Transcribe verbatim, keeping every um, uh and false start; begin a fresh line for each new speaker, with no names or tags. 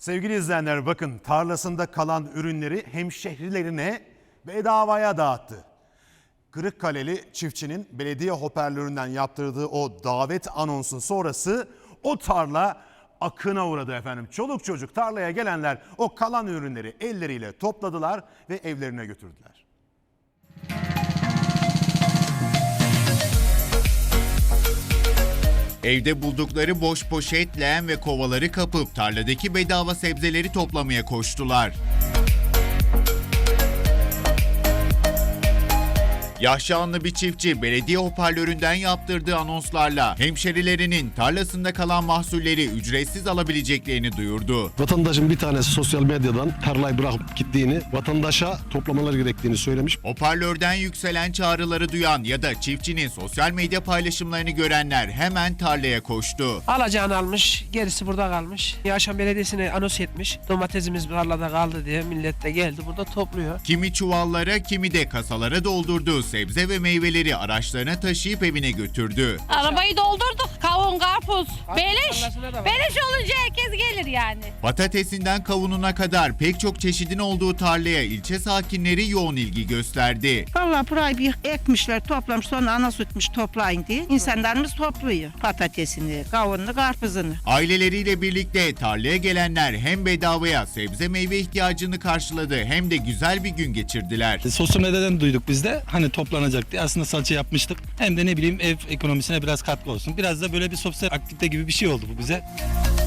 Sevgili izleyenler, bakın, tarlasında kalan ürünleri hemşehrilerine bedavaya dağıttı. Kırıkkaleli çiftçinin belediye hoparlöründen yaptırdığı o davet anonsu sonrası o tarla akına uğradı efendim. Çoluk çocuk tarlaya gelenler o kalan ürünleri elleriyle topladılar ve evlerine götürdüler.
Evde buldukları boş poşet, leğen ve kovaları kapıp tarladaki bedava sebzeleri toplamaya koştular. Yaşanlı bir çiftçi belediye hoparlöründen yaptırdığı anonslarla hemşerilerinin tarlasında kalan mahsulleri ücretsiz alabileceklerini duyurdu.
Vatandaşın bir tanesi sosyal medyadan tarlayı bırakıp gittiğini, vatandaşa toplamaları gerektiğini söylemiş.
Hoparlörden yükselen çağrıları duyan ya da çiftçinin sosyal medya paylaşımlarını görenler hemen tarlaya koştu.
Alacağını almış, gerisi burada kalmış. Yaşam Belediyesi'ne anons etmiş. Domatesimiz tarlada kaldı diye millet de geldi burada topluyor.
Kimi çuvallara, kimi de kasalara doldurduğu sebze ve meyveleri araçlarına taşıyıp evine götürdü.
Arabayı doldurduk. Kavun, karpuz, beleş.
tarlasına da var.
Beleş olunca herkes gelir yani.
Patatesinden kavununa kadar pek çok çeşidin olduğu tarlaya ilçe sakinleri yoğun ilgi gösterdi.
Vallahi burayı bir ekmişler, toplamış, sonra ana sütmüş toplayın diye. İnsanlarımız topluyor patatesini, kavununu, karpuzunu.
Aileleriyle birlikte tarlaya gelenler hem bedavaya sebze meyve ihtiyacını karşıladı hem de güzel bir gün geçirdiler.
Sosyal medyadan duyduk biz de hani toplanacak diye aslında salça yapmıştık. Hem de ne bileyim ev ekonomisine biraz katkı olsun. Biraz da böyle bir sosyal aktivite gibi bir şey oldu bu bize.